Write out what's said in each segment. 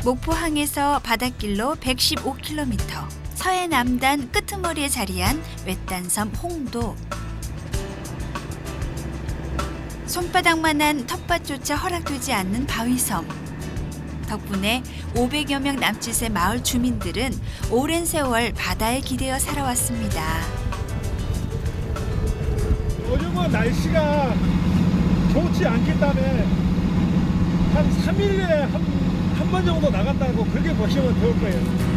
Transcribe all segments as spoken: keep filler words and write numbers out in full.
목포항에서 바닷길로 백십오 킬로미터, 서해 남단 끄트머리에 자리한 외딴섬 홍도. 손바닥만한 텃밭조차 허락되지 않는 바위섬. 덕분에 오백여 명 남짓의 마을 주민들은 오랜 세월 바다에 기대어 살아왔습니다. 요즘은 날씨가 좋지 않기 때문에 한 삼 일에 한 한 번 정도 나간다고 그렇게 보시면 좋을 거예요.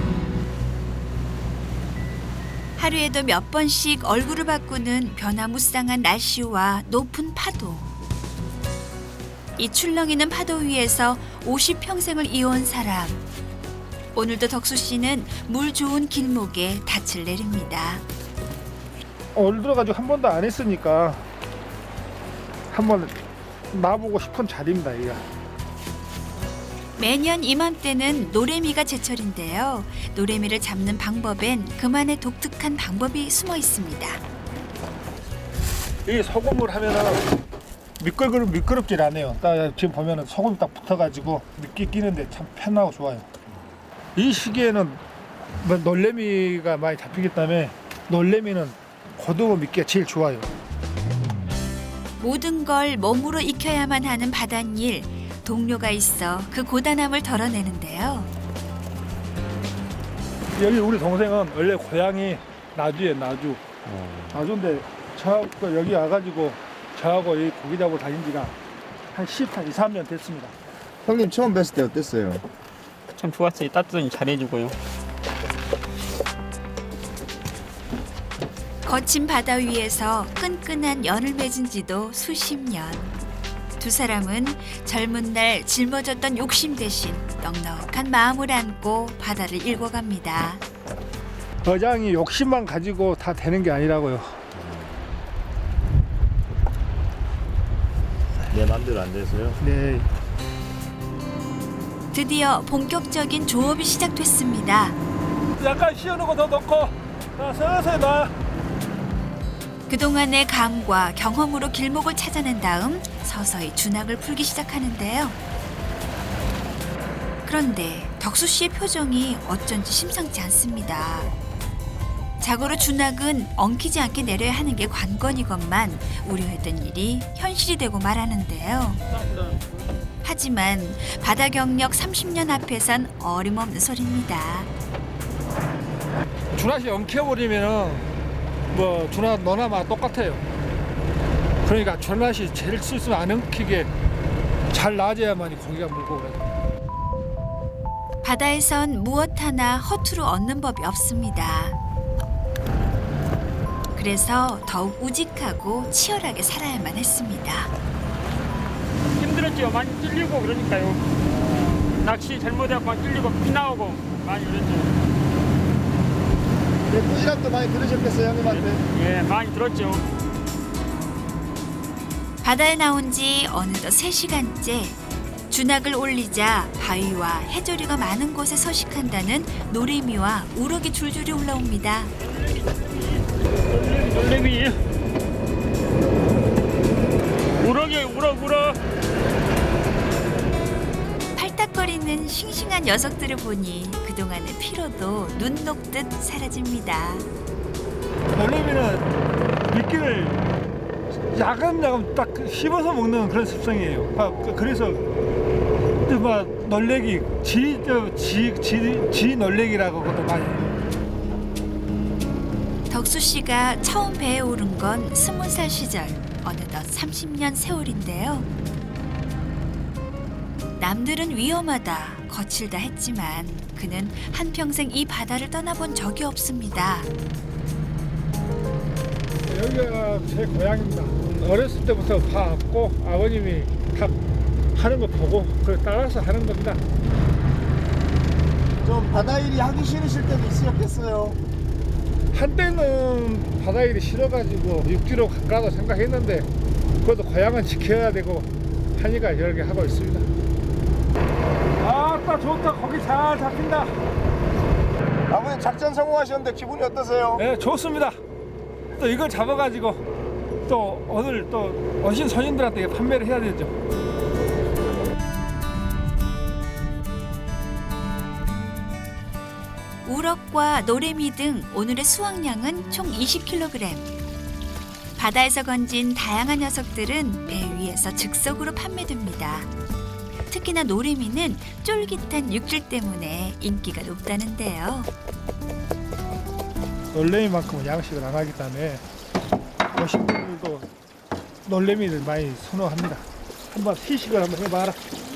하루에도 몇 번씩 얼굴을 바꾸는 변화무쌍한 날씨와 높은 파도. 이 출렁이는 파도 위에서 오십 평생을 이어온 사람. 오늘도 덕수 씨는 물 좋은 길목에 닻을 내립니다. 올 들어가지고 한 번도 안 했으니까 한번 나보고 싶은 자리입니다. 이거. 매년 이맘때는 노래미가 제철인데요. 노래미를 잡는 방법엔 그만의 독특한 방법이 숨어 있습니다. 이 소금을 하면은 미끌그럽 미끄럽질 않아요. 딱 지금 보면은 소금이 딱 붙어가지고 미끼 끼는데 참 편하고 좋아요. 이 시기에는 뭐 놀래미가 많이 잡히기 때문에 놀래미는 고등어 미끼가 제일 좋아요. 모든 걸 몸으로 익혀야만 하는 바닷일. 동료가 있어 그 고단함을 덜어내는데요. 여기 우리 동생은 원래 고향이 나주에 나주. 나주인데 저하고 여기 와가지고 저하고 이 고기 잡으러 다닌 지가 한 십이삼 년 됐습니다. 형님 처음 뵀을 때 어땠어요? 참 좋았어요. 따뜻하니 잘해주고요. 거친 바다 위에서 끈끈한 연을 맺은 지도 수십 년. 두 사람은 젊은 날 짊어졌던 욕심 대신 넉넉한 마음을 안고 바다를 일궈갑니다. 어장이 욕심만 가지고 다 되는 게 아니라고요. 내 맘대로 안 돼서요? 네. 드디어 본격적인 조업이 시작됐습니다. 약간 씌워놓고 더 넣고 자, 서서히 놔. 그동안의 감과 경험으로 길목을 찾아낸 다음 서서히 준학을 풀기 시작하는데요. 그런데 덕수 씨의 표정이 어쩐지 심상치 않습니다. 자고로 준학은 엉키지 않게 내려야 하는 게 관건이건만 우려했던 일이 현실이 되고 말하는데요. 하지만 바다 경력 삼십 년 앞에선 어림없는 소리입니다. 준하씨 엉켜버리면은 뭐 준하 너나 마 똑같아요. 그러니까 준하씨 제일 실수 안 엉키게 잘 놔줘야만이 고기가 물고 그래요. 바다에선 무엇 하나 허투루 얻는 법이 없습니다. 그래서 더욱 우직하고 치열하게 살아야만 했습니다. 힘들었죠. 많이 찔리고 그러니까요. 낚시 잘못해갖고 찔리고 피 나오고 많이 그랬죠. 네, 꾸지람도 많이 들으셨겠어요 형님한테? 예, 많이 들었죠. 바다에 나온 지 어느덧 세 시간째. 준학을 올리자 바위와 해조류가 많은 곳에 서식한다는 노래미와 우럭이 줄줄이 올라옵니다. 놀래미. 우럭이 우럭 우럭. 팔딱거리는 싱싱한 녀석들을 보니 그동안의 피로도 눈 녹듯 사라집니다. 놀래미는 미끼를 야금야금 딱 씹어서 먹는 그런 습성이에요. 아, 그- 그래서 막 놀래기 지지 놀래기라고 그것도 많이 해요. 덕수 씨가 처음 배에 오른 건 스무 살 시절, 어느덧 삼십 년 세월인데요. 남들은 위험하다, 거칠다 했지만 그는 한평생 이 바다를 떠나본 적이 없습니다. 여기가 제 고향입니다. 어렸을 때부터 봐왔고 아버님이 다 하는 거 보고 그걸 따라서 하는 겁니다. 좀 바다 일이 하기 싫으실 때도 있으셨겠어요? 한때는 바다 일이 싫어가지고 육지로 갈까도 생각했는데 그것도 고향은 지켜야 되고 하니까 이렇게 하고 있습니다. 아따 좋다. 고기 잘 잡힌다. 아버님 작전 성공하셨는데 기분이 어떠세요? 네, 좋습니다. 또 이걸 잡아가지고 또 오늘 또 오신 손님들한테 판매를 해야 되죠. 우럭과 노래미 등 오늘의 수확량은 총 이십 킬로그램. 바다에서 건진 다양한 녀석들은 배 위에서 즉석으로 판매됩니다. 특히나 노래미는 쫄깃한 육질 때문에 인기가 높다는데요. 놀래미만큼은 양식을 안 하기 때문에 어신분들도 놀래미를 많이 선호합니다. 한번 시식을 한번 해봐라.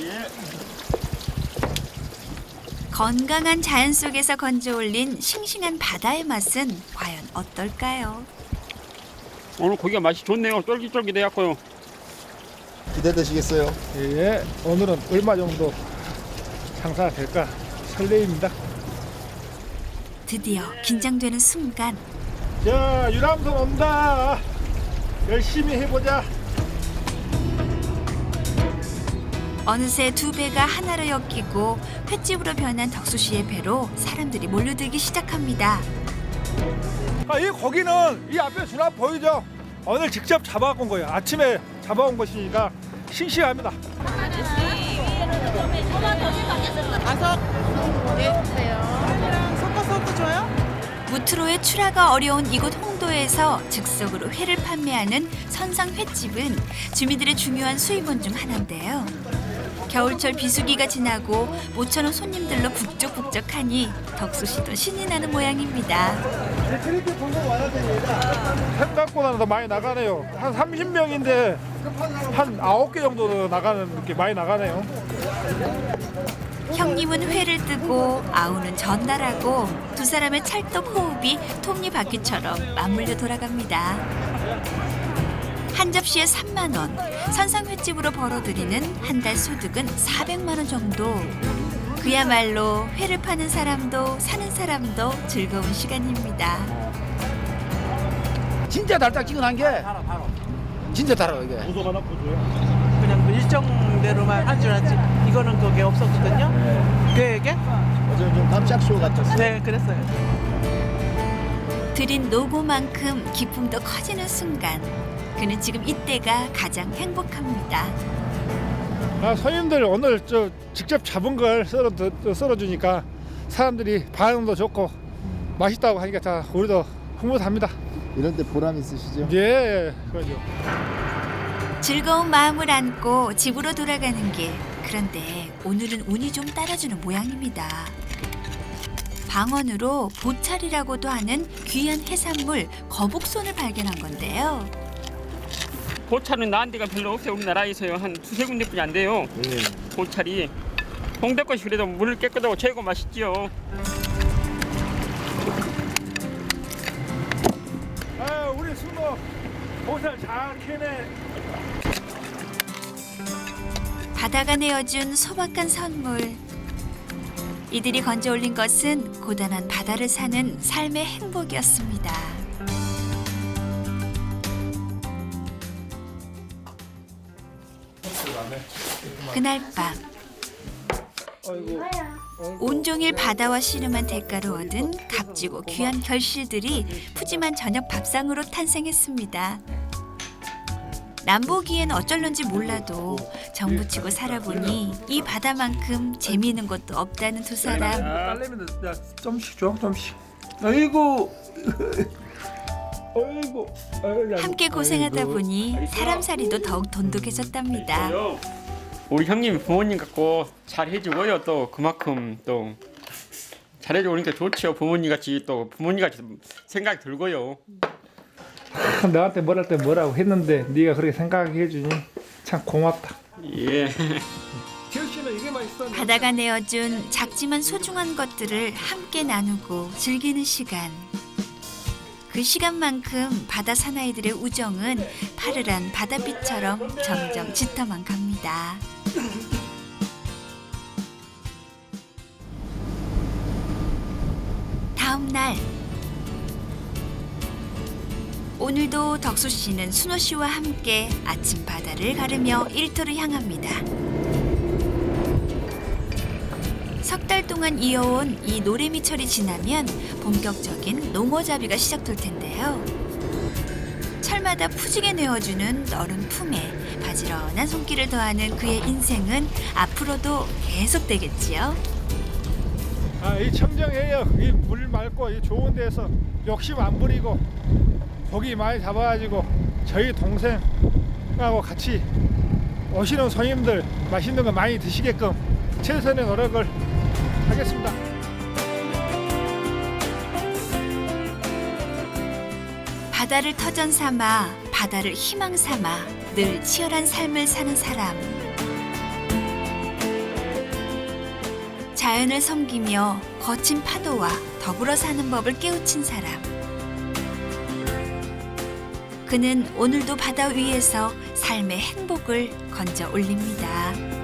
건강한 자연 속에서 건져 올린 싱싱한 바다의 맛은 과연 어떨까요? 오늘 고기가 맛이 좋네요. 쫄깃쫄깃해갖고요. 기대되시겠어요? 예, 오늘은 얼마 정도 장사가 될까 설레입니다. 드디어 긴장되는 순간 자, 유람선 온다. 열심히 해보자. 어느새 두 배가 하나로 엮이고 횟집으로 변한 덕수 씨의 배로 사람들이 몰려들기 시작합니다. 아, 이 고기는 이 앞에 주나 보이죠? 오늘 직접 잡아온 거예요. 아침에 잡아온 것이니까 싱싱합니다. 섞어서 줘요? 무트로의 출하가 어려운 이곳 홍도에서 즉석으로 회를 판매하는 선상 횟집은 주민들의 중요한 수입원 중 하나인데요. 겨울철 비수기가 지나고 모처럼 손님들로 북적북적하니 덕수 씨도 신이 나는 모양입니다. 생각보다는 더 많이 나가네요. 한 삼십 명인데 한 아홉 개 정도 나가는 게 많이 나가네요. 형님은 회를 뜨고 아우는 전달하고 두 사람의 찰떡 호흡이 톱니바퀴처럼 맞물려 돌아갑니다. 한 접시에 삼만 원, 선상 횟집으로 벌어들이는 한 달 소득은 사백만 원 정도. 그야말로 회를 파는 사람도 사는 사람도 즐거운 시간입니다. 진짜 달짝지근한 게 진짜 달아요 이게. 고소가 나 고소요. 그냥 그 일정대로만 한 줄 알았지. 이거는 그게 없었거든요. 계획에? 어제 좀 깜짝쇼 같았어요. 네, 그랬어요. 드린 노고만큼 기쁨도 커지는 순간 그는 지금 이때가 가장 행복합니다. 아, 손님들 오늘 저 직접 잡은 걸 썰어 썰어주니까 사람들이 반응도 좋고 맛있다고 하니까 자 우리도 흐뭇합니다. 이런 데 보람 있으시죠? 예, 그렇죠. 즐거운 마음을 안고 집으로 돌아가는 길. 그런데 오늘은 운이 좀 따라주는 모양입니다. 방언으로 보찰이라고도 하는 귀한 해산물 거북손을 발견한 건데요. 보찰은 나은 데가 별로 없어요. 우리나라에서요. 한 두세 군데뿐이 안 돼요. 네. 보찰이. 홍대 것이 그래도 물 깨끗하고 최고 맛있지요. 아, 우리 순어 보살 잘 캐네. 바다가 내어준 소박한 선물. 이들이 건져 올린 것은 고단한 바다를 사는 삶의 행복이었습니다. 그날 밤 온종일 바다와 씨름한 대가로 얻은 값지고 귀한 결실들이 푸짐한 저녁 밥상으로 탄생했습니다. 남보기엔 어쩔런지 몰라도 정부치고 살아보니 이 바다만큼 재미있는 것도 없다는 두 사람. 딸내미는 야 좀씩 줘, 좀씩. 아이고, 아이고, 아이고. 함께 고생하다 보니 사람살이도 더욱 돈독해졌답니다. 우리 형님이 부모님 같고 잘 해주고요. 또 그만큼 또 잘해주고 그러니까 좋죠. 부모님 같이 또 부모님 같이 생각이 들고요. 나한테 뭐랄 때 뭐라고 했는데 네가 그렇게 생각해 주니 참 고맙다. 예. 기억씨는 이게만 있어. 바다가 내어준 작지만 소중한 것들을 함께 나누고 즐기는 시간. 그 시간만큼 바다 사나이들의 우정은 파르란 바닷빛처럼 점점 짙어만 갑니다. 다음 날 오늘도 덕수 씨는 순호 씨와 함께 아침 바다를 가르며 일터를 향합니다. 석 달 동안 이어온 이 노래미철이 지나면 본격적인 농어잡이가 시작될 텐데요. 철마다 푸지게 내어주는 너른 품에 바지런한 손길을 더하는 그의 인생은 앞으로도 계속되겠지요. 아, 이 청정해역, 이 물 맑고 이 좋은 데서 욕심 안 부리고 고기 많이 잡아가지고 저희 동생하고 같이 오시는 손님들 맛있는 거 많이 드시게끔 최선의 노력을 하겠습니다. 바다를 터전 삼아 바다를 희망 삼아 늘 치열한 삶을 사는 사람. 자연을 섬기며 거친 파도와 더불어 사는 법을 깨우친 사람. 그는 오늘도 바다 위에서 삶의 행복을 건져 올립니다.